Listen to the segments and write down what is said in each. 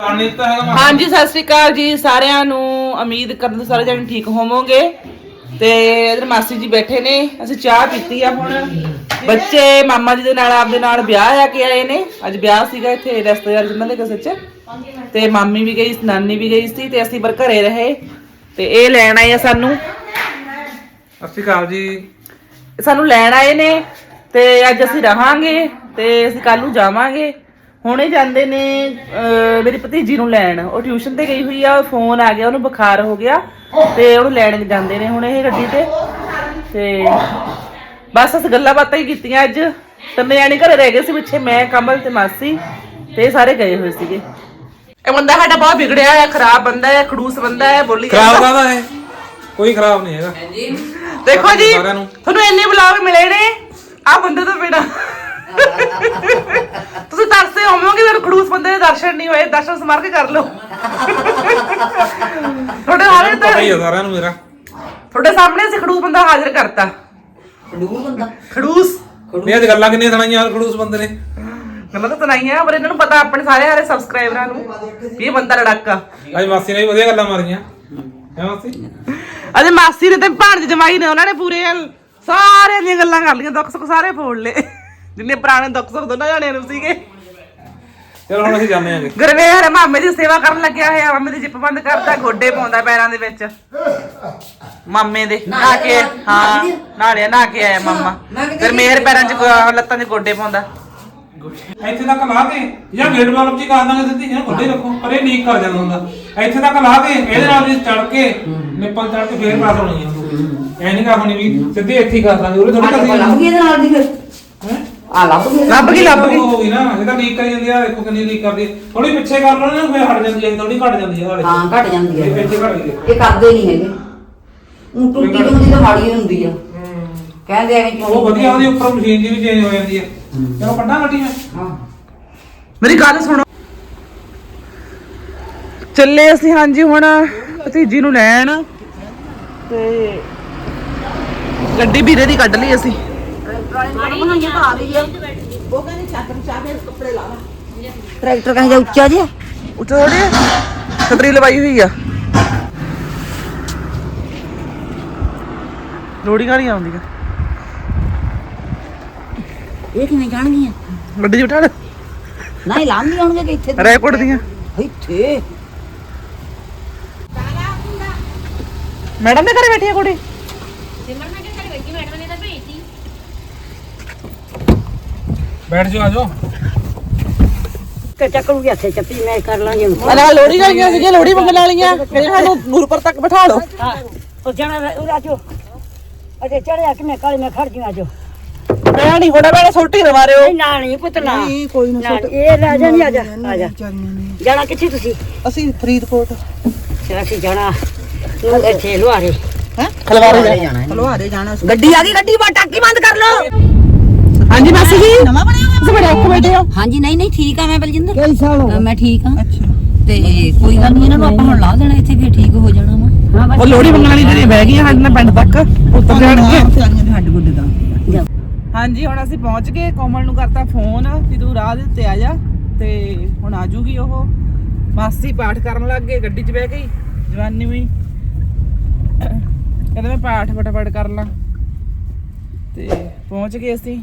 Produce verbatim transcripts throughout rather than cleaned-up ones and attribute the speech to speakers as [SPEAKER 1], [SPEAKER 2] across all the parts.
[SPEAKER 1] हाँ जी सत श्री अकाल जी सारिਆਂ ਨੂੰ उम्मीद करते सारे जने ठीक होवोगे ते इधर मासी जी बैठे ने ਅਸੀਂ ਚਾਹ ਪੀਤੀ ਆ ਹੁਣ ਬੱਚੇ ਮਾਮਾ ਜੀ ਦੇ ਨਾਲ ਆਪਦੇ ਨਾਲ ਵਿਆਹ ਆ ਕੇ ਆਏ ਨੇ ਅੱਜ ਵਿਆਹ ਸੀਗਾ ਇੱਥੇ ਰਿਸ਼ਤੇਦਾਰ ਜਿਨ੍ਹਾਂ ਦੇ ਕਿਸੇ ਚ ਤੇ ਮਾਮੀ ਵੀ ਗਈ ਨਾਨੀ ਵੀ ਗਈ ਸੀ ਤੇ ਅਸੀਂ ਬਰ ਘਰੇ ਰਹੇ ਤੇ ਇਹ ਲੈਣ ਆਏ ਆ ਸਾਨੂੰ
[SPEAKER 2] ਸਤਿ ਸ਼੍ਰੀ ਅਕਾਲ ਜੀ
[SPEAKER 1] ਸਾਨੂੰ ਲੈਣ ਆਏ ਨੇ ਤੇ ਅੱਜ ਅਸੀਂ ਰਹਾਂਗੇ ਤੇ ਅਸੀਂ ਕੱਲ ਨੂੰ ਜਾਵਾਂਗੇ ਹੁਣੇ ਜਾਂਦੇ ਨੇ ਮੇਰੀ ਭਤੀਜੀ ਨੂੰ ਲੈਣ ਉਹ ਟਿਊਸ਼ਨ ਤੇ ਗਈ ਹੋਈ ਆ ਫੋਨ ਆ ਗਿਆ ਉਹਨੂੰ ਬੁਖਾਰ ਹੋ ਗਿਆ ਤੇ ਉਹਨੂੰ ਲੈਣ ਜਾਂਦੇ ਨੇ ਹੁਣ ਇਹ ਗੱਡੀ ਤੇ ਤੇ ਬਸ ਅਸੀਂ ਗੱਲਾਂ ਬਾਤਾਂ ਹੀ ਕੀਤੀਆਂ ਅੱਜ ਤਿੰਨੇ ਜਾਣੇ ਘਰੇ ਰਹਿ ਗਏ ਸੀ ਪਿੱਛੇ ਮੈਂ ਕਮਲ ਤੇ ਮਾਸੀ ਤੇ ਸਾਰੇ ਗਏ ਹੋਏ ਸੀਗੇ ਇਹ ਬੰਦਾ ਸਾਡਾ ਬਹੁਤ ਵਿਗੜਿਆ ਹੈ ਖਰਾਬ ਬੰਦਾ ਹੈ ਖੜੂਸ ਬੰਦਾ ਹੈ ਬੋਲੀ
[SPEAKER 2] ਖਰਾਬ ਕਾਹਦਾ ਹੈ ਕੋਈ ਖਰਾਬ ਨਹੀਂ ਹੈਗਾ
[SPEAKER 1] ਦੇਖੋ ਜੀ ਤੁਹਾਨੂੰ ਇੰਨੇ ਬੁਲਾਵੇ ਮਿਲੇ ਨੇ ਆ ਬੰਦੇ ਤੋਂ ਬਿਨਾ ਤੁਸੀਂ ਤਰਸੇ ਹੋਵੋਗੇ ਮੇਰੇ ਖੜੂਸ ਬੰਦੇ ਦੇ ਦਰਸ਼ਨ ਨਹੀਂ ਹੋਏ ਦਰਸ਼ਨ ਸਮਾਰ ਕੇ ਕਰ ਲਓ ਤੁਹਾਡੇ ਹਾਲੇ ਤਾਂ
[SPEAKER 2] ਹੀ ਸਾਰਿਆਂ ਨੂੰ ਮੇਰਾ
[SPEAKER 1] ਤੁਹਾਡੇ ਸਾਹਮਣੇ ਅਸੀਂ ਖੜੂਸ ਬੰਦਾ ਹਾਜ਼ਰ ਕਰਤਾ
[SPEAKER 3] ਖੜੂਸ ਬੰਦਾ
[SPEAKER 1] ਖੜੂਸ
[SPEAKER 2] ਨਹੀਂ ਅੱਜ ਗੱਲਾਂ ਕਿੰਨੀਆਂ ਸੁਣਾਈਆਂ ਖੜੂਸ ਬੰਦੇ ਨੇ
[SPEAKER 1] ਗੱਲਾਂ ਤਾਂ ਸੁਣਾਈਆਂ ਪਰ ਇਹਨਾਂ ਨੂੰ ਪਤਾ ਆਪਣੇ ਸਾਰੇ ਹਾਰੇ ਸਬਸਕ੍ਰਾਈਬਰਾਂ ਨੂੰ ਇਹ ਬੰਦਾ ਲੜਾਕਾ
[SPEAKER 2] ਅੱਜ ਮਾਸੀ ਨੇ ਵੀ ਵਧੀਆ ਗੱਲਾਂ ਮਾਰੀਆਂ ਹੈ ਮਾਸੀ
[SPEAKER 1] ਅਜੇ ਮਾਸੀ ਨੇ ਤੇ ਭਾਣਜ ਜਮਾਈ ਨੇ ਉਹਨਾਂ ਨੇ ਪੂਰੇ ਸਾਰਿਆਂ ਦੀਆਂ ਗੱਲਾਂ ਕਰ ਲਈਆਂ ਦੁੱਖ ਸੁੱਖ ਸਾਰੇ ਫੋੜ ਲਏ ਜਿੰਨੇ ਪੁਰਾਣੇ ਦੁੱਖ ਸੁੱਖ ਦੋਨਾਂ ਜਾਣਿਆਂ ਨੂੰ ਸੀਗੇ
[SPEAKER 2] ਚਲੋ ਹੁਣ ਅਸੀਂ ਜਾਂਦੇ ਆਂਗੇ
[SPEAKER 1] ਗੁਰਵੇਰ ਮਾਮੇ ਦੀ ਸੇਵਾ ਕਰਨ ਲੱਗਿਆ ਹੋਇਆ ਮਾਮੇ ਦੀ ਜਿੱਪ ਬੰਦ ਕਰਦਾ ਗੋਡੇ ਪਾਉਂਦਾ ਪੈਰਾਂ ਦੇ ਵਿੱਚ ਮਾਮੇ ਦੇ ਨਹਾ ਕੇ ਹਾਂ ਨਾਲਿਆ ਨਹਾ ਕੇ ਆਇਆ ਮਾਮਾ ਫਿਰ ਮੇਰ ਪੈਰਾਂ 'ਚ ਲੱਤਾਂ 'ਚ ਗੋਡੇ ਪਾਉਂਦਾ
[SPEAKER 2] ਇੱਥੇ ਤੱਕ ਲਾ ਕੇ ਜਾਂ ਗੇਟ ਵਾਲ ਚ ਕਰ ਦਾਂਗੇ ਸਿੱਧੀ ਇਹਨਾਂ ਗੋਡੇ ਰੱਖੋ ਪਰ ਇਹ ਲੀਕ ਕਰ ਜਾਂਦਾ ਹੁੰਦਾ ਇੱਥੇ ਤੱਕ ਲਾ ਕੇ ਇਹਦੇ ਨਾਲ ਵੀ ਚੜ ਕੇ ਨਿੱਪਲ ਚੜ ਕੇ ਫੇਰ ਪਾਸ ਹੋਣੀ ਆ ਐ ਨਹੀਂ ਕਰ ਹੋਣੀ ਵੀ ਸਿੱਧੀ ਇੱਥੇ ਹੀ ਕਰ ਦਾਂਗੇ ਉਹਦੇ ਥੋੜੀ ਕਰਦੀ
[SPEAKER 3] ਲੱਭ ਗਈ ਇਹਦੇ ਨਾਲ ਦੀ ਫਿਰ
[SPEAKER 2] ਹੈ
[SPEAKER 3] ਆ ਲੱਭ ਗਈ
[SPEAKER 1] ਲੱਭ ਗਈ ਲੱਭ ਗਈ
[SPEAKER 2] ਹੋ ਗਈ ਨਾ ਇਹ ਤਾਂ ਲੀਕ ਕਰੀ ਜਾਂਦੀ ਆ ਦੇਖੋ ਕਿੰਨੀ ਲੀਕ ਕਰਦੀ ਥੋੜੀ ਪਿੱਛੇ ਕਰ ਲਓ ਨਾ ਫੇਰ ਹਟ ਜਾਂਦੀ ਹੈ ਥੋੜੀ ਘਟ ਜਾਂਦੀ ਹੈ
[SPEAKER 3] ਹਾਂ ਘਟ ਜਾਂਦੀ
[SPEAKER 2] ਇਹ
[SPEAKER 3] ਹੈ
[SPEAKER 2] ਪਿੱਛੇ ਘਟ ਗਈ
[SPEAKER 3] ਇਹ ਕਰਦੇ ਨਹੀਂ ਹੈਗੇ ਉਹ ਟੁੱਟੀ ਟੁੱਟੀ ਤਾਂ ਮਾੜੀ ਹੁੰਦੀ ਆ ਕਹਿੰਦੇ ਆ ਕਿ
[SPEAKER 2] ਉਹ ਵਧੀਆ ਉਹਦੇ ਉੱਪਰ ਮਸ਼ੀਨ ਜੀ ਵੀ ਚੇਂਜ ਹੋ ਜਾਂਦੀ ਹੈ ਚਲੋ ਕੱਢਾਂ ਗੱਡੀ ਮੈਂ
[SPEAKER 3] ਹਾਂ
[SPEAKER 1] ਮੇਰੀ ਗੱਲ ਸੁਣੋ ਚੱਲੇ ਅਸੀਂ ਹਾਂਜੀ ਹੁਣ ਭਤੀਜੀ ਨੂੰ ਲੈਣ ਤੇ ਗੱਡੀ ਵੀਰੇ ਦੀ ਕੱਢ ਲਈ ਅਸੀਂ
[SPEAKER 3] ਟਰੈਕਟਰ ਕਹਿੰਦਾ ਉੱਚਾ ਜਿਹਾ
[SPEAKER 1] ਉੱਥੇ ਥੋੜੀ ਛਤਰੀ ਲਵਾਈ ਹੋਈ ਆ ਲੋੜੀ ਗਾੜੀ ਆਉਂਦੀ ਆ
[SPEAKER 3] ਇਹ ਕਿਵੇਂ ਜਾਣਗੀਆਂ
[SPEAKER 1] ਗੱਡੀ 'ਚ ਬਿਠਾ ਲੈ
[SPEAKER 3] ਨਹੀਂ ਲਾਂਦੀ ਆਉਣਗੇ ਕਿ ਇੱਥੇ
[SPEAKER 1] ਰੈਕੋਰਡ ਦੀਆਂ
[SPEAKER 3] ਇੱਥੇ
[SPEAKER 1] ਮੈਡਮ ਦੇ ਘਰੇ ਬੈਠੀ ਆ ਕੁੜੀ
[SPEAKER 2] ਬੈਠ ਜਾਓ ਆ ਜਾਓ
[SPEAKER 3] ਕਿ ਚੱਕੂਗੀ ਇੱਥੇ ਚੱਪੀ ਮੈਂ ਕਰ ਲਾਂਗੇ
[SPEAKER 1] ਅਲਾ ਲੋੜੀ ਗਾਈਆਂ ਸੀਗੀਆਂ ਲੋੜੀ ਮੰਗਣ ਵਾਲੀਆਂ ਕਹਿੰਦੇ ਸਾਨੂੰ ਗੁਰਪੁਰ ਤੱਕ ਬਿਠਾ ਲਓ
[SPEAKER 3] ਹਾਂ ਉਹ ਜਾਣਾ ਉਹ ਆਜੋ ਅਜੇ ਚੜਿਆ ਕਿ ਮੈਂ ਕਾਲੇ ਮੈਂ ਖੜ ਜੂ ਆਜੋ
[SPEAKER 1] ਮੈਂ ਨਹੀਂ ਹੋਣਾ ਮੈਨੇ ਸੋਟੀ ਨਾ ਮਾਰਿਓ
[SPEAKER 3] ਨਹੀਂ ਨਾ ਨਹੀਂ ਪੁੱਤ ਨਾ ਕੋਈ ਨਾ ਇਹ ਲੈ ਜਾ ਨਹੀਂ ਆ ਜਾ ਆ ਜਾ ਜਾਣਾ ਕਿੱਥੇ ਤੁਸੀਂ
[SPEAKER 1] ਅਸੀਂ ਫਰੀਦਕੋਟ
[SPEAKER 3] ਚਲ ਅਸੀਂ ਜਾਣਾ ਤੂੰ ਇੱਥੇ ਲੁਹਾਰੇ
[SPEAKER 1] ਹੈ ਖਲਵਾਰੇ
[SPEAKER 3] ਜਾਣਾ
[SPEAKER 1] ਖਲਵਾਰੇ ਜਾਣਾ
[SPEAKER 3] ਗੱਡੀ ਆ ਗਈ ਗੱਡੀ ਬਾ ਟਾਕੀ ਬੰਦ ਕਰ ਲਓ
[SPEAKER 1] ਹਾਂਜੀ ਮਾਸੀ ਜੀ ਨਵਾਂ ਬਣਿਆ ਹੋਇਆ ਤੁਸੀਂ ਬੜੇ ਔਖੇ ਬੈਠੇ ਹੋ
[SPEAKER 3] ਹਾਂਜੀ ਨਹੀਂ ਨਹੀਂ ਠੀਕ ਆ ਮੈਂ ਬਲਜਿੰਦਰ ਕਈ ਸਾਲ ਹੋ ਮੈਂ ਠੀਕ ਆ ਅੱਛਾ ਤੇ ਕੋਈ ਗੱਲ ਨਹੀਂ ਇਹਨਾਂ ਨੂੰ ਆਪਾਂ ਹੁਣ ਲਾ ਦੇਣਾ ਇੱਥੇ ਫਿਰ ਠੀਕ ਹੋ ਜਾਣਾ ਵਾ
[SPEAKER 1] ਉਹ ਲੋੜੀ ਮੰਗਣ ਵਾਲੀ ਜਿਹੜੀ ਬਹਿ ਗਈਆਂ ਸਾਡੇ ਨਾਲ ਪਿੰਡ ਤੱਕ ਉੱਤਰ ਜਾਣਗੇ
[SPEAKER 3] ਹੱਡ ਗੁੱਡ ਦਾ
[SPEAKER 1] ਹਾਂਜੀ ਹੁਣ ਅਸੀਂ ਪਹੁੰਚ ਗਏ ਕੋਮਲ ਨੂੰ ਕਰਤਾ ਫੋਨ ਕਿ ਤੂੰ ਰਾਹ ਦੇ ਉੱਤੇ ਆ ਜਾ ਤੇ ਹੁਣ ਆ ਜੂਗੀ ਉਹ ਮਾਸੀ ਪਾਠ ਕਰਨ ਲੱਗ ਗਏ ਗੱਡੀ 'ਚ ਬਹਿ ਗਈ ਜਵਾਨੀ ਵੀ ਕਹਿੰਦੇ ਮੈਂ ਪਾਠ ਫਟਾਫਟ ਕਰ ਲਾਂ ਤੇ ਪਹੁੰਚ ਗਏ ਅਸੀਂ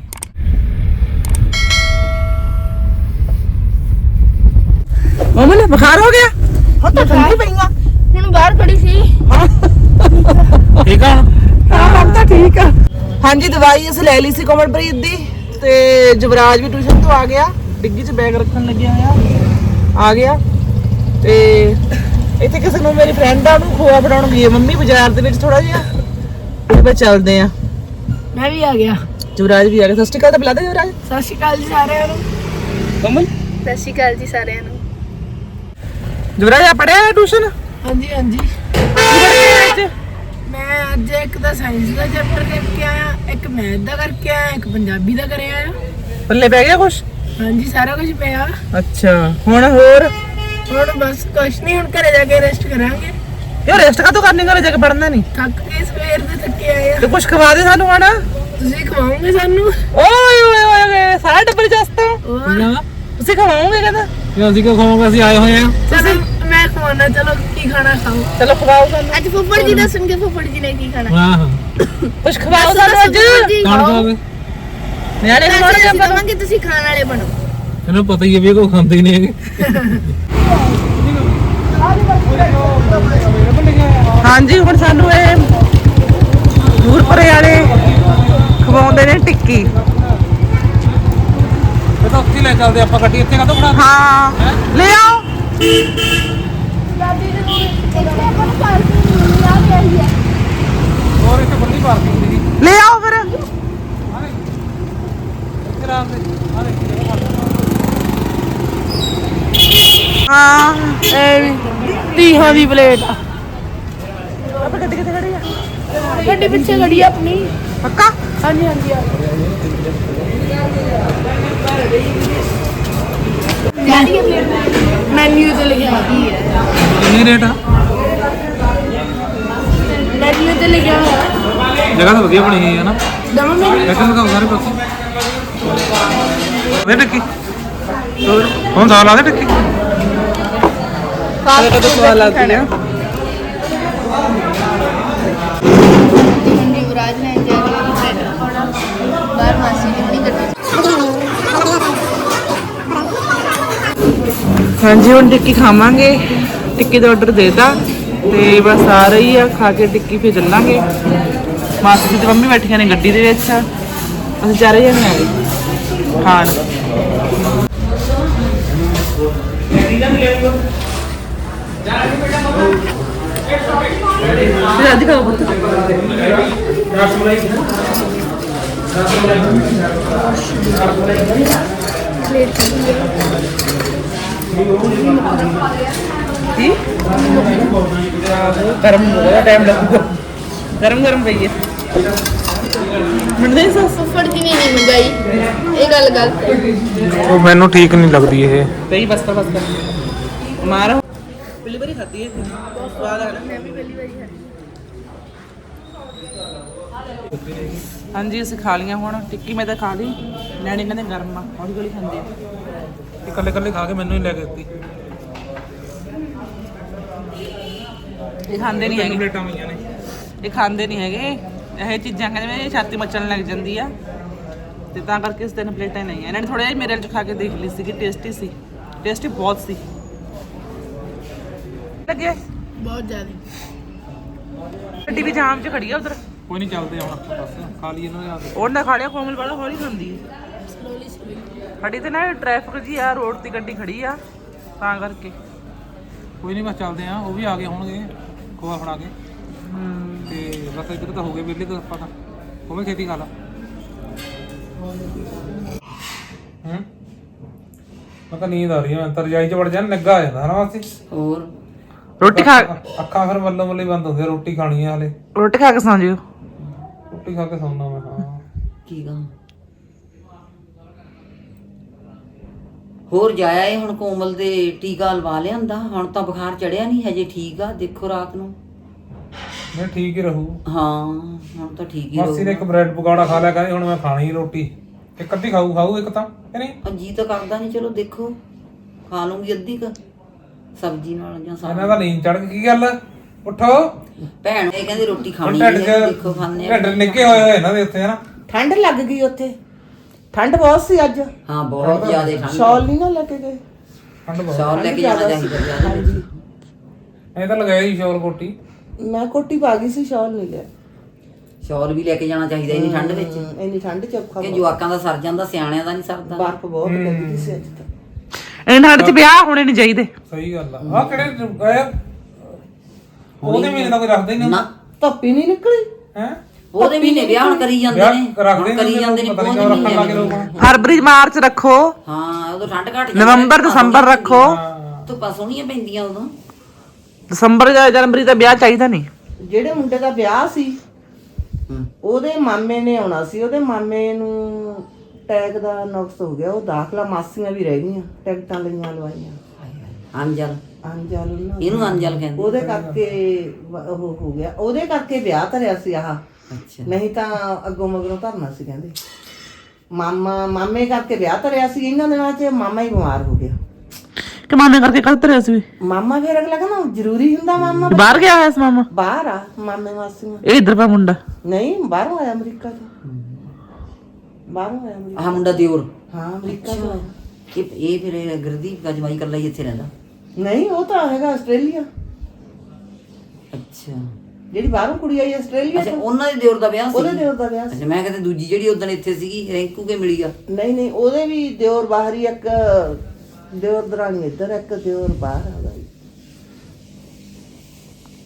[SPEAKER 1] ਮਮਨ ਬੁਖਾਰ ਹੋ ਗਿਆ
[SPEAKER 4] ਹਾਂ ਤਾਂ ਠੰਡੀ ਪਈਆਂ ਹੁਣ ਬਾਹਰ ਖੜੀ ਸੀ
[SPEAKER 2] ਠੀਕ ਆ
[SPEAKER 1] ਹਾਂ ਹੁਣ ਤਾਂ ਠੀਕ ਆ ਹਾਂਜੀ ਦਵਾਈ ਅਸੀਂ ਲੈ ਲਈ ਸੀ ਕੋਮਲਪ੍ਰੀਤ ਦੀ ਤੇ ਜਵਰਾਜ ਵੀ ਟਿਊਸ਼ਨ ਤੋਂ ਆ ਗਿਆ ਡਿੱਗੀ 'ਚ ਬੈਗ ਰੱਖਣ ਲੱਗਿਆ ਹੋਇਆ ਆ ਗਿਆ ਤੇ ਇੱਥੇ ਕਿਸੇ ਨੂੰ ਮੇਰੀ ਫਰੈਂਡ ਆ ਉਹਨੂੰ ਖੋਆ ਬਣਾਉਣ ਗਈ ਹੈ ਮੰਮੀ ਬਾਜ਼ਾਰ ਦੇ ਵਿੱਚ ਥੋੜਾ ਜਿਹਾ ਤੇ ਬਸ ਚੱਲਦੇ ਆ
[SPEAKER 4] ਮੈਂ ਵੀ ਆ ਗਿਆ
[SPEAKER 1] ਜਵਰਾਜ ਵੀ ਆ ਗਿਆ ਸਤਿ ਸ਼੍ਰੀ ਅਕਾਲ ਤਾਂ ਬੁਲਾ ਦੇ ਜਵਰਾਜ
[SPEAKER 4] ਸਤਿ ਸ਼੍ਰੀ ਅਕਾਲ ਜੀ ਸਾਰਿਆਂ ਨੂੰ
[SPEAKER 1] ਕੋਮਲ
[SPEAKER 4] ਸਤਿ ਸ਼੍ਰੀ ਅਕਾਲ ਜੀ ਸਾਰਿਆਂ ਨੂੰ
[SPEAKER 1] ਜਵਰਾਜ ਆ ਪੜਿਆ ਟਿਊਸ਼ਨ
[SPEAKER 4] ਹਾਂਜੀ ਹਾਂਜੀ
[SPEAKER 1] ਅੱਜ
[SPEAKER 4] ਮੈਂ ਅੱਜ ਇੱਕ ਤਾਂ ਸਾਇੰਸ ਦਾ ਚੈਪਟਰ ਕਰਕੇ ਆਇਆ ਇੱਕ ਮੈਥ ਦਾ ਕਰਕੇ ਆਇਆ ਇੱਕ ਪੰਜਾਬੀ ਦਾ ਕਰਿਆ ਆਇਆ
[SPEAKER 1] ਪੱਲੇ ਪੈ ਗਿਆ ਕੁਛ
[SPEAKER 4] ਹਾਂਜੀ ਸਾਰਾ ਕੁਝ ਪਿਆ
[SPEAKER 1] ਅੱਛਾ ਹੁਣ ਹੋਰ
[SPEAKER 4] ਹੁਣ ਬਸ ਕੁਛ ਨਹੀਂ ਹੁਣ ਘਰੇ ਜਾ ਕੇ ਰੈਸਟ ਕਰਾਂਗੇ
[SPEAKER 1] ਯਾਰ ਰੈਸਟ ਕਾਹਤੋਂ ਕਰਨੀ ਘਰੇ ਜਾ ਕੇ ਪੜਨਾ ਨਹੀਂ
[SPEAKER 4] ਥੱਕ ਕੇ ਸਵੇਰ ਦੇ ਥੱਕੇ ਆਏ ਆ
[SPEAKER 1] ਤੇ ਕੁਛ ਖਵਾ ਦੇ ਸਾਨੂੰ ਹੁਣ
[SPEAKER 4] ਤੁਸੀਂ ਖਵਾਓਗੇ ਸਾਨੂੰ
[SPEAKER 1] ਓਏ ਓਏ ਓਏ ਸਾਰਾ ਟੱਬਰ ਜਸਤਾ
[SPEAKER 4] ਹੋਰ
[SPEAKER 1] ਤੁਸੀਂ ਖਵਾਓਗੇ ਕਹਿੰਦਾ
[SPEAKER 2] ਕਿ ਅਸੀਂ ਕਿਉਂ ਖਾਵਾਂਗੇ, ਅਸੀਂ ਆਏ ਹੋਏ ਆ।
[SPEAKER 4] ਚਲੋ ਮੈਂ ਖਵਾਉਣਾ, ਚਲੋ ਕੀ ਖਾਣਾ ਖਾਓ।
[SPEAKER 1] ਚਲੋ ਖਵਾਓ ਸਾਨੂੰ।
[SPEAKER 5] ਅੱਜ ਫੁੱਫੜ ਜੀ ਦੱਸਣਗੇ ਫੁੱਫੜ ਜੀ ਨੇ ਕੀ ਖਾਣਾ।
[SPEAKER 2] ਹਾਂ ਹਾਂ
[SPEAKER 1] ਕੁਛ ਖਵਾਓ ਸਾਨੂੰ ਅੱਜ।
[SPEAKER 2] ਕੌਣ ਖਾਵੇ?
[SPEAKER 1] ਨਿਆਣੇ ਨੂੰ ਮਾਰ
[SPEAKER 5] ਅਸੀਂ ਕਹਾਂਗੇ ਤੁਸੀਂ ਖਾਣ ਵਾਲੇ ਬਣੋ।
[SPEAKER 2] ਇਹਨੂੰ ਪਤਾ ਹੀ ਹੈ ਵੀ ਇਹ ਕੋਈ ਖਾਂਦੇ ਹੀ ਨਹੀਂ ਹੈਗੇ।
[SPEAKER 1] ਹਾਂਜੀ ਹੁਣ ਸਾਨੂੰ ਇਹ ਨੂਰਪੁਰੇ ਵਾਲੇ ਖਵਾਉਂਦੇ ਨੇ ਟਿੱਕੀ।
[SPEAKER 2] ਇਹ ਤਾਂ ਉੱਥੇ ਲੈ ਚੱਲਦੇ ਆਪਾਂ, ਗੱਡੀ ਇੱਥੇ ਕਾਹਤੋਂ ਬਣਾ?
[SPEAKER 1] ਹਾਂ ਲੈ ਆਓ।
[SPEAKER 2] ਹੋਰ ਇੱਥੇ ਬੰਦੀ ਪਾਰਕਿੰਗ ਦੀ
[SPEAKER 1] ਲੈ ਆਓ ਫਿਰ। ਹਾਂ ਇਹ ਵੀ ਤੀਹਾਂ ਦੀ ਪਲੇਟ ਆ। ਆਪਾਂ ਗੱਡੀ ਕਿੱਥੇ ਖੜੀ ਆ?
[SPEAKER 5] ਗੱਡੀ ਪਿੱਛੇ ਖੜੀ ਆ ਆਪਣੀ।
[SPEAKER 1] ਪੱਕਾ?
[SPEAKER 5] ਹਾਂਜੀ ਹਾਂਜੀ ਮੈਨੂ ਤੇ ਲਿਖਿਆ ਕੀ ਹੈ?
[SPEAKER 2] ਕਿੰਨੀ ਰੇਟ ਆ?
[SPEAKER 5] ਮੈਨੂ ਤੇ ਲਿਖਿਆ ਹੋਇਆ
[SPEAKER 2] ਜਗ੍ਹਾ ਤਾਂ ਵਧੀਆ ਬਣੀ ਹੋਈ ਹੈ ਨਾ।
[SPEAKER 5] ਦਮਾ ਮੈਂ
[SPEAKER 2] ਲੇਕਿਨ ਲਗਾਓ ਸਾਰੇ ਪਾਸੇ ਵੇ ਟਿੱਕੀ। ਹੁਣ ਦਾਲ ਆ ਦੇ ਟਿੱਕੀ।
[SPEAKER 1] ਸਾਰੇ ਕਦੋਂ ਸਵਾਦ ਲੱਗਦੀ ਆ।
[SPEAKER 5] ਮੰਡੀ ਵਿਰਾਜ ਲੈਣ ਜਾ ਰਹੀ ਹੈ ਬਾਹਰ ਮਾਸੀ ਦੀ ਆਪਣੀ ਗੱਡੀ।
[SPEAKER 1] ਹਾਂਜੀ ਹੁਣ ਟਿੱਕੀ ਖਾਵਾਂਗੇ। ਟਿੱਕੀ ਦਾ ਆਰਡਰ ਦੇਤਾ ਤੇ ਬਸ ਆ ਰਹੀ ਆ, ਖਾ ਕੇ ਟਿੱਕੀ ਫਿਰ ਚੱਲਾਂਗੇ। ਮਾਸੀ ਜੀ ਤੇ ਮੰਮੀ ਬੈਠੀਆਂ ਨੇ ਗੱਡੀ ਦੇ ਵਿੱਚ, ਅਸੀਂ ਚਾਰੇ ਜਣੇ ਆ ਗਏ ਖਾਣ। ਅੱਜ ਖਾਓ ਪੁੱਤ। ਕੀ ਗਰਮ ਬਹੁਤ ਟਾਈਮ ਲੱਗੂਗਾ। ਗਰਮ ਗਰਮ ਪਈ ਹੈ। ਮੈਨੂੰ ਨਹੀਂ ਸੱਸ
[SPEAKER 5] ਫੁੱਫੜ ਜੀ ਨੇ ਨਹੀਂ ਮੰਗਾਈ ਇਹ ਗੱਲ ਗਲਤ।
[SPEAKER 2] ਉਹ ਮੈਨੂੰ ਠੀਕ ਨਹੀਂ ਲੱਗਦੀ ਇਹ।
[SPEAKER 1] ਪਈ ਬਸ ਕਰ ਬਸ ਕਰ ਮਾਰ। ਪਹਿਲੀ ਵਾਰੀ ਖਾਧੀ ਹੈ, ਬਹੁਤ ਸਵਾਦ ਆ ਨਾ। ਮੈਂ ਵੀ ਪਹਿਲੀ ਵਾਰੀ ਖਾਧੀ। ਹਾਂਜੀ ਅਸੀਂ ਖਾ ਲਈਆਂ ਹੁਣ ਟਿੱਕੀ। ਮੈਂ ਤਾਂ ਖਾ ਲਈ, ਨਿਆਣੇ ਕਹਿੰਦੇ ਗਰਮ ਆ, ਹੌਲੀ ਹੌਲੀ ਖਾਂਦੇ ਆ।
[SPEAKER 2] ਇਹ ਕੱਲੇ ਕੱਲੇ ਖਾ ਕੇ ਮੈਨੂੰ ਹੀ ਲੈ ਕੇ ਦਿੱਤੀ।
[SPEAKER 1] ਇਹ ਖਾਂਦੇ ਨਹੀਂ ਹੈਗੇ,
[SPEAKER 2] ਪਲੇਟਾਂ ਹੋਈਆਂ ਨੇ।
[SPEAKER 1] ਇਹ ਖਾਂਦੇ ਨਹੀਂ ਹੈਗੇ ਇਹ ਚੀਜ਼ਾਂ। ਕਹਿੰਦੇ ਮੇਰੇ ਛਾਤੀ ਮੱਚਣ ਲੱਗ ਜਾਂਦੀ ਆ ਤੇ ਤਾਂ ਕਰਕੇ ਇਸ ਤਿੰਨ ਪਲੇਟਾਂ ਨਹੀਂ ਆ। ਇਹਨਾਂ ਨੇ ਥੋੜਾ ਜਿਹਾ ਮੇਰੇ ਚ ਖਾ ਕੇ ਦੇਖ ਲਈ ਸੀਗੀ, ਟੇਸਟੀ ਸੀ। ਟੇਸਟੀ ਬਹੁਤ ਸੀ ਲੱਗੇ।
[SPEAKER 5] ਬਹੁਤ ਜ਼ਿਆਦਾ
[SPEAKER 1] ਗੱਡੀ ਵੀ ਜਾਮ 'ਚ ਖੜੀ ਆ ਉਧਰ।
[SPEAKER 2] ਕੋਈ ਨਹੀਂ ਚੱਲਦੇ ਹੁਣ ਆਪਾਂ ਬਸ ਖਾ ਲਈ ਇਹਨਾਂ ਦੇ ਆ ਕੇ।
[SPEAKER 1] ਉਹ ਨਾ ਖਾ ਲਿਆ, ਕੋਮਲ ਵਾਲਾ ਹੌਲੀ ਖਾਂਦੀ ਹੈ।
[SPEAKER 5] ਸਲੋਲੀ ਸਲੋਲੀ
[SPEAKER 1] ਸਾਡੀ ਤੇ ਨਾ ਟ੍ਰੈਫਿਕ ਜੀ ਆ, ਰੋਡ ਤੇ ਗੱਡੀ ਖੜੀ ਆ ਤਾਂ ਕਰਕੇ।
[SPEAKER 2] ਕੋਈ ਨਹੀਂ ਬਸ ਚੱਲਦੇ ਆ। ਉਹ ਵੀ ਆ ਗਏ ਹੋਣਗੇ ਖੋਆ ਫੜਾ ਕੇ। ਤੇ ਬਸ ਇੱਧਰ ਤਾਂ ਹੋ ਗਏ ਵਿਹਲੇ ਤਾਂ ਆਪਾਂ ਤਾਂ। ਉਹ ਵੀ ਖੇਤੀ ਖਾ ਲਾ। ਹੂੰ ਮੈਂ ਤਾਂ ਨੀਂਦ ਆ ਰਹੀ ਹੈ। ਮੈਂ ਤਾਂ ਰਜਾਈ 'ਚ ਵੜ ਜਾਣ ਲੱਗਾ ਆ ਜਾਂਦਾ ਹਨਾ ਵਾਸਤੇ।
[SPEAKER 3] ਹੋਰ
[SPEAKER 1] ਰੋਟੀ ਖਾ
[SPEAKER 2] ਅੱਖਾਂ ਫਿਰ ਮੱਲੋ ਮੱਲੀ ਬੰਦ ਹੁੰਦੀਆਂ। ਰੋਟੀ ਖਾਣੀ ਆ ਹਲੇ।
[SPEAKER 1] ਰੋਟੀ ਖਾ ਕੇ ਸੌਂ ਜਿਓ।
[SPEAKER 2] ਰੋਟੀ ਖਾ ਕੇ ਸੌਣਾ ਮੈਂ। ਹਾਂ
[SPEAKER 3] ਕੀ ਗਾ ਹੋਰ ਜਾਇਆ ਇਹ ਹੁਣ ਕੋਮਲ ਦੇ ਟੀਕਾ ਲਵਾ ਲਿਆਂਦਾ। ਹੁਣ ਤਾਂ ਬੁਖਾਰ ਚੜਿਆ ਨਹੀਂ ਹਜੇ, ਠੀਕ ਆ। ਦੇਖੋ ਰਾਤ ਨੂੰ
[SPEAKER 2] ਮੈਂ ਠੀਕ ਹੀ ਰਹੂ।
[SPEAKER 3] ਹਾਂ ਹੁਣ ਤਾਂ ਠੀਕ ਹੀ
[SPEAKER 2] ਮਾਸੀ ਨੇ ਇੱਕ ਬ੍ਰੈਡ ਪਕੌੜਾ ਖਾ ਲਿਆ, ਕਹਿੰਦੀ ਹੁਣ ਮੈਂ ਖਾਣੀ ਰੋਟੀ। ਇੱਕ ਅੱਧੀ ਖਾਊ ਖਾਊ ਇੱਕ ਤਾਂ ਕਿ ਨਹੀਂ।
[SPEAKER 3] ਰਹੂ। ਜੀ ਤਾਂ ਕਰਦਾ ਨਹੀਂ, ਚਲੋ ਦੇਖੋ ਖਾ ਲੂੰਗੀ ਅੱਧੀ ਕ ਸਬਜ਼ੀ ਨਾਲ ਜਾਂ ਸਾਗ।
[SPEAKER 2] ਇਹਨਾਂ ਦਾ ਨੀਂਦ ਚੜ ਗਈ। ਕੀ ਗੱਲ ਉੱਠੋ।
[SPEAKER 3] ਭੈਣ ਇਹ ਕਹਿੰਦੀ ਰੋਟੀ ਖਾਣੀ
[SPEAKER 2] ਢਿੱਡ
[SPEAKER 3] ਹੈ।
[SPEAKER 2] 'ਚ
[SPEAKER 3] ਦੇਖੋ ਖਾਣੇ ਆ।
[SPEAKER 2] ਢਿੱਡ ਨਿੱਕੇ ਹੋਏ ਹੋਏ ਇਹਨਾਂ ਦੇ ਉੱਥੇ ਹਨਾ।
[SPEAKER 1] ਠੰਡ ਲੱਗ ਗਈ ਉੱਥੇ, ਠੰਡ ਬਹੁਤ ਸੀ ਅੱਜ।
[SPEAKER 3] ਹਾਂ ਬਹੁਤ ਜ਼ਿਆਦਾ ਠੰਡ।
[SPEAKER 1] ਸ਼ਾਲ ਨਹੀਂ ਨਾ ਲੈ ਕੇ ਗਏ।
[SPEAKER 2] ਠੰਡ ਬਹੁਤ।
[SPEAKER 3] ਸ਼ਾਲ ਲੈ ਕੇ ਜਾਣਾ ਚਾਹੀਦਾ ਜ਼ਿਆਦਾ ਵਿੱਚ।
[SPEAKER 2] ਐ ਤਾਂ ਲਗਾਇਆ ਹੀ ਸ਼ੋਰ ਕੋਟੀ।
[SPEAKER 1] ਮੈਂ ਕੋਟੀ ਪਾ ਗਈ ਸੀ, ਸ਼ਾਲ ਨਹੀਂ ਲਿਆ।
[SPEAKER 3] ਸ਼ਾਲ ਵੀ ਲੈ ਕੇ ਜਾਣਾ ਚਾਹੀਦਾ ਇੰਨੀ ਠੰਡ ਵਿੱਚ।
[SPEAKER 1] ਇੰਨੀ ਠੰਡ ਚ ਔਖਾ
[SPEAKER 3] ਕਿ ਜਵਾਕਾਂ ਦਾ ਸਰ ਜਾਂਦਾ, ਸਿਆਣਿਆਂ ਦਾ ਨਹੀਂ ਸਰਦਾ।
[SPEAKER 1] ਬਰਫ਼ ਬਹੁਤ ਲੱਗਦੀ ਸੀ ਅੱਜ ਤਾਂ। ਇਹਨਾਂ ਠੰਡ ਚ ਵਿਆਹ ਹੋਣੇ ਨਹੀਂ ਚਾਹੀਦੇ।
[SPEAKER 2] ਸਹੀ ਗੱਲ ਆ। ਆ ਕਿਹੜੇ ਇਹ ਉਹਦੇ ਮਹੀਨੇ ਦਾ ਕੋਈ ਰੱਖਦਾ ਹੀ ਨਹੀਂ
[SPEAKER 3] ਨਾ
[SPEAKER 1] ਧੁੱਪੀ ਨਹੀਂ ਨਿਕਲੀ
[SPEAKER 2] ਹੈ।
[SPEAKER 3] ਉਹਦੇ ਮਹੀਨੇ ਵਿਆਹ ਹੁਣ ਕਰੀ ਜਾਂਦੇ
[SPEAKER 2] ਵਿਆਹ
[SPEAKER 3] ਨੇ।
[SPEAKER 2] ਰੱਖਦੇ
[SPEAKER 3] ਹੁਣ ਕਰੀ ਜਾਂਦੇ ਨੇ
[SPEAKER 2] ਪਤਾ
[SPEAKER 3] ਬਹੁਤ
[SPEAKER 2] ਨਹੀਂ ਕਿਉਂ ਰੱਖਣ ਲੱਗੇ ਲੋਕ।
[SPEAKER 3] ਮਹੀਨੇ।
[SPEAKER 1] ਫਰਵਰੀ ਮਾਰਚ ਰੱਖੋ,
[SPEAKER 3] ਹਾਂ ਉਦੋਂ ਠੰਡ ਘੱਟ ਜਾਂਦੀ।
[SPEAKER 1] ਨਵੰਬਰ ਦਸੰਬਰ ਰੱਖੋ।
[SPEAKER 2] ਹਾਂ
[SPEAKER 3] ਧੁੱਪਾਂ ਸੋਹਣੀਆਂ ਪੈਂਦੀਆਂ ਉਦੋਂ।
[SPEAKER 1] ਦਸੰਬਰ ਜਾਂ ਜਨਵਰੀ ਦਾ ਵਿਆਹ ਚਾਹੀਦਾ ਨਹੀਂ।
[SPEAKER 6] ਜਿਹੜੇ ਮੁੰਡੇ ਦਾ ਵਿਆਹ ਸੀ
[SPEAKER 3] ਹੂੰ।
[SPEAKER 6] ਉਹਦੇ ਮਾਮੇ ਨੇ ਆਉਣਾ ਸੀ। ਉਹਦੇ ਮਾਮੇ ਨੂੰ ਟੈਗ ਦਾ ਨੁਕਸ ਹੋ ਗਿਆ। ਉਹ ਦਾਖਲਾ ਮਾਸੀਆਂ ਵੀ ਰਹਿ ਗਈਆਂ, ਟਿਕਟਾਂ ਲਈਆਂ ਲਵਾਈਆਂ।
[SPEAKER 3] ਅੰਜਲ
[SPEAKER 6] ਅੰਜਲ ਉਹਨਾਂ
[SPEAKER 3] ਇਹਨੂੰ ਅੰਜਲ ਕਹਿੰਦੇ।
[SPEAKER 6] ਉਹਦੇ ਕਰਕੇ ਵ- ਉਹ ਹੋ ਗਿਆ। ਉਹਦੇ ਕਰਕੇ ਵਿਆਹ ਧਰਿਆ ਸੀ ਆਹ।
[SPEAKER 3] ਅੱਛਾ
[SPEAKER 6] ਨਹੀਂ ਤਾਂ ਅੱਗੋਂ ਮਗਰੋਂ ਧਰਨਾ ਸੀ ਕਹਿੰਦੇ। ਮਾਮਾ ਮਾਮੇ ਕਰਕੇ ਵਿਆਹ ਧਰਿਆ ਸੀ। ਇਹਨਾਂ ਦਿਨਾਂ 'ਚ ਮਾਮਾ ਹੀ ਬਿਮਾਰ ਹੋ ਗਿਆ।
[SPEAKER 1] ਕਿ ਮਾਮੇ ਕਰਕੇ ਕੱਲ ਤਰਿਆ ਸੀ ਵੀ?
[SPEAKER 6] ਮਾਮਾ ਫਿਰ ਅਗਲਾ ਕਹਿੰਦਾ ਜ਼ਰੂਰੀ ਹੁੰਦਾ ਮਾਮਾ
[SPEAKER 1] ਬਾਹਰ ਗਿਆ ਹੋਇਆ ਸੀ ਮਾਮਾ?
[SPEAKER 6] ਬਾਹਰ ਆ ਮਾਮੇ ਮਾਸੀਆਂ।
[SPEAKER 1] ਇਹ ਇੱਧਰ ਪਾ ਮੁੰਡਾ?
[SPEAKER 6] ਨਹੀਂ ਬਾਹਰੋਂ ਆਇਆ ਅਮਰੀਕਾ ਤੋਂ। ਬਾਹਰੋਂ ਆਇਆ ਅਮਰੀਕਾ।
[SPEAKER 3] ਆਹ ਮੁੰਡਾ ਦਿਓਰ?
[SPEAKER 6] ਹਾਂ ਅਮਰੀਕਾ ਤੋਂ ਆਇਆ।
[SPEAKER 3] ਇਹ ਇਹ ਫਿਰ ਗੁਰਦੀਪ ਦਾ ਜਮਾਈ ਕੱਲਾ ਹੀ ਇੱਥੇ ਰਹਿੰਦਾ?
[SPEAKER 6] ਨਹੀਂ ਉਹ ਤਾਂ ਹੈਗਾ ਆਸਟ੍ਰੇਲੀਆ।
[SPEAKER 3] ਅੱਛਾ
[SPEAKER 6] ਜਿਹੜੀ ਬਾਹਰੋਂ ਕੁੜੀ ਆਈ ਆਸਟ੍ਰੇਲੀਆ
[SPEAKER 3] ਅੱਛਾ
[SPEAKER 6] ਤੋਂ,
[SPEAKER 3] ਉਹਨਾਂ ਦੇ ਦਿਓਰ ਦਾ ਵਿਆਹ ਸੀ?
[SPEAKER 6] ਉਹਦੇ ਦਿਓਰ ਦਾ ਵਿਆਹ ਸੀ।
[SPEAKER 3] ਅੱਛਾ ਮੈਂ ਕਹਿੰਦਾ ਦੂਜੀ ਜਿਹੜੀ ਉਦੋਂ ਇੱਥੇ ਸੀਗੀ ਰਿੰਕੂ ਕੇ ਮਿਲੀ ਆ?
[SPEAKER 6] ਨਹੀਂ ਨਹੀਂ ਉਹਦੇ ਵੀ ਦਿਓਰ ਬਾਹਰ ਹੀ, ਇੱਕ ਦਿਓਰ ਦਰਾਣੀ ਇੱਧਰ, ਇੱਕ ਦਿਓਰ ਬਾਹਰ ਆ ਉਹਦਾ।